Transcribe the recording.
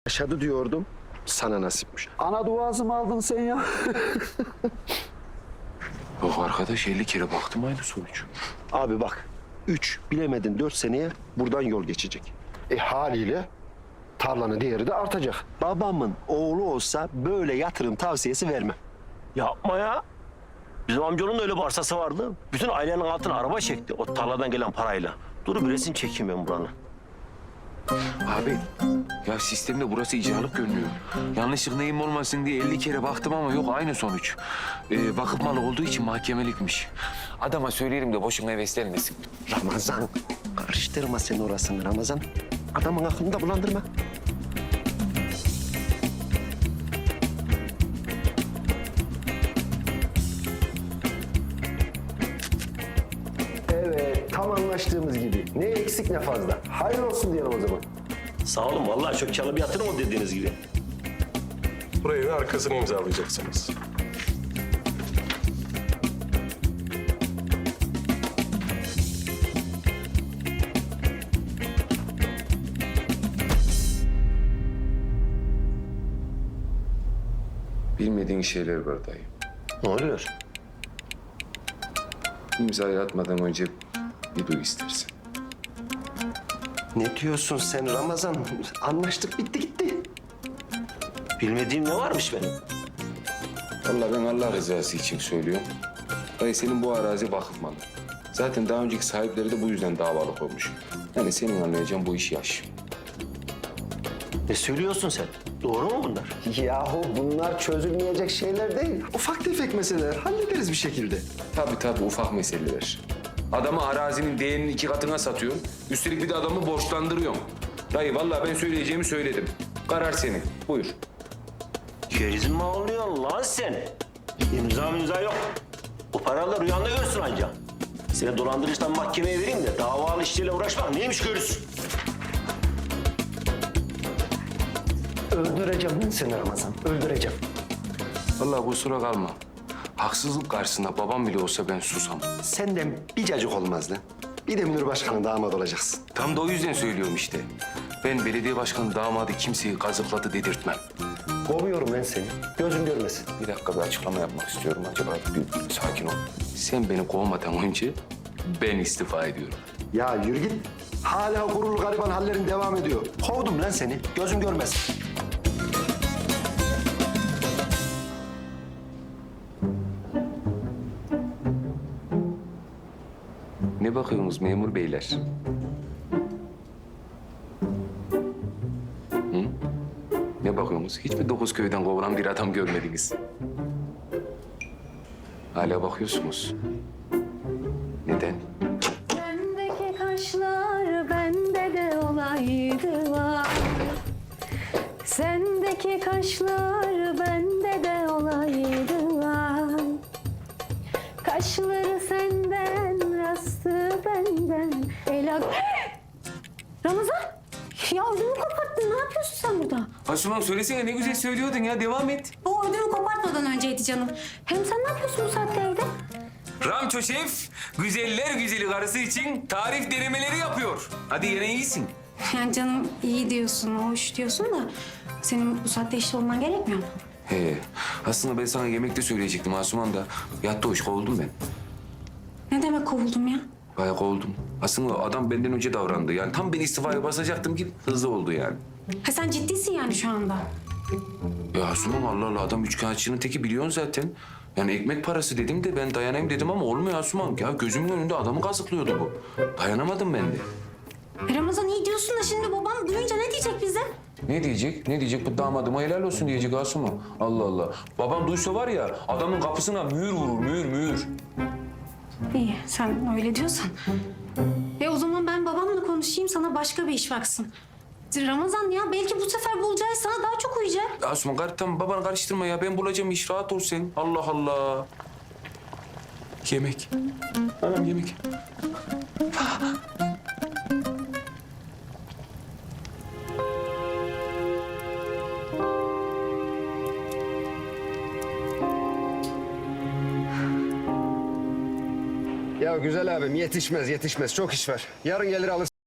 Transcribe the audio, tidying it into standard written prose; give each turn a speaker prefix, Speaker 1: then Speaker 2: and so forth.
Speaker 1: Yaşadı diyordum, sana nasipmiş.
Speaker 2: Ana duası mı aldın sen ya?
Speaker 3: Yok arkadaş 50 kere baktım aynı sonuç.
Speaker 1: Abi bak, 3 bilemedin 4 seneye buradan yol geçecek. Haliyle tarlanın değeri de artacak. Babamın oğlu olsa böyle yatırım tavsiyesi vermem.
Speaker 4: Yapma ya. Bizim amcanın da öyle bir arsası vardı. Bütün ailenin altına araba çekti o tarladan gelen parayla. Dur bir resim çekeyim ben buranın.
Speaker 3: Abi ya sistemde burası icralık görünüyor. Yanlışlık neyim olmasın diye 50 kere baktım ama yok aynı sonuç. Vakıf malı olduğu için mahkemelikmiş. Adama söyleyelim de boşuna heveslenmesin.
Speaker 1: Ramazan, karıştırma sen orasını Ramazan. Adamın aklını da bulandırma. Evet, tam anlaştığımız gibi. Ne eksik ne fazla. Hayırlı olsun diyelim o zaman.
Speaker 4: Sağ olun vallahi çok karlı bir yatırım o dediğiniz gibi.
Speaker 5: Burayı da arkasını imzalayacaksınız.
Speaker 3: Bilmediğin şeyler var dayı.
Speaker 4: Ne oluyor?
Speaker 3: İmzayı atmadan önce bir duy istersen.
Speaker 1: Ne diyorsun sen Ramazan? Anlaştık, bitti gitti.
Speaker 4: Bilmediğim ne varmış benim?
Speaker 3: Vallahi ben Allah rızası için söylüyorum. Dayı senin bu arazi vakıf malı. Zaten daha önceki sahipleri de bu yüzden davalık olmuş. Yani senin anlayacağın bu iş yaş.
Speaker 4: Ne söylüyorsun sen? Doğru mu bunlar?
Speaker 1: Yahu bunlar çözülmeyecek şeyler değil. Ufak tefek meseleler. Hallederiz bir şekilde.
Speaker 3: Tabii ufak meseleler. Adamı arazinin değerinin 2 katına satıyorsun. Üstelik bir de adamı borçlandırıyorsun. Dayı vallahi ben söyleyeceğimi söyledim. Karar senin. Buyur.
Speaker 4: Gerizin mi oluyorsun lan sen? İmza yok. Bu paraları rüyanda görsün anca. Seni dolandırıcıdan mahkemeye vereyim de davalı işleriyle uğraşmak neymiş görürsün.
Speaker 1: Öldüreceğim ben seni Ramazan. Öldüreceğim.
Speaker 3: Vallahi kusura kalma. Haksızlık karşısında babam bile olsa ben susam.
Speaker 1: Senden bir cacık olmaz lan. Bir de Münir Başkan'ın damat olacaksın.
Speaker 3: Tam da o yüzden söylüyorum işte. Ben belediye başkanı damadı kimseyi kazıkladı dedirtmem.
Speaker 1: Kovuyorum ben seni. Gözüm görmesin.
Speaker 3: Bir dakika bir açıklama yapmak istiyorum. Acaba bir sakin ol. Sen beni kovmadan önce ben istifa ediyorum.
Speaker 1: Ya yürü git. Hala gururlu gariban hallerin devam ediyor. Kovdum lan seni. Gözüm görmesin.
Speaker 3: Ne bakıyorsunuz memur beyler? Hı? Ne bakıyorsunuz? Hiç mi 9 köyden kovulan bir adam görmediniz? Hala bakıyorsunuz. Neden?
Speaker 6: Sendeki kaşlar bende de olaydı var. Sendeki kaşlar bende de olaydı var. Kaşları senden, rastı benden. Ramazan! Ya ödümü koparttın. Ne yapıyorsun sen burada?
Speaker 3: Asuman söylesene ne güzel söylüyordun ya. Devam et.
Speaker 6: O ödümü kopartmadan önceydi canım. Hem sen ne yapıyorsun bu saatte evde?
Speaker 3: Ramço Şef, güzeller güzeli karısı için tarif denemeleri yapıyor. Hadi yine iyisin.
Speaker 6: Yani canım iyi diyorsun, hoş diyorsun da... ...senin bu saatte işte olman gerekmiyor mu?
Speaker 3: He, aslında ben sana yemekte söyleyecektim Asuman da. Yattı hoş kovuldum ben.
Speaker 6: Ne demek kovuldum ya?
Speaker 3: Bayağı kovuldum. Aslında adam benden önce davrandı. Yani tam ben istifaya basacaktım ki hızlı oldu yani.
Speaker 6: Ha sen ciddisin yani şu anda.
Speaker 3: Ya Asuman Allah Allah adam üçkağıtçının teki biliyorsun zaten. Yani ekmek parası dedim de ben dayanayım dedim ama olmuyor Asuman. Ya gözümün önünde adamı kazıklıyordu bu. Dayanamadım ben de.
Speaker 6: Ramazan iyi diyorsun da şimdi babam duyunca ne diyecek bize?
Speaker 3: Ne diyecek? Ne diyecek? Bu damadıma helal olsun diyecek Asuman. Allah Allah. Babam duysa var ya adamın kapısına mühür vurur, mühür.
Speaker 6: İyi sen öyle diyorsan. O zaman ben babamla konuşayım sana başka bir iş baksın. Ramazan ya belki bu sefer bulacağı sana daha çok uyacak.
Speaker 3: Asuman tamam babanı karıştırma ya. Ben bulacağım iş. Rahat ol sen. Allah Allah. Yemek. Anam yemek.
Speaker 1: Ya güzel abim yetişmez. Çok iş var. Yarın gelir alır.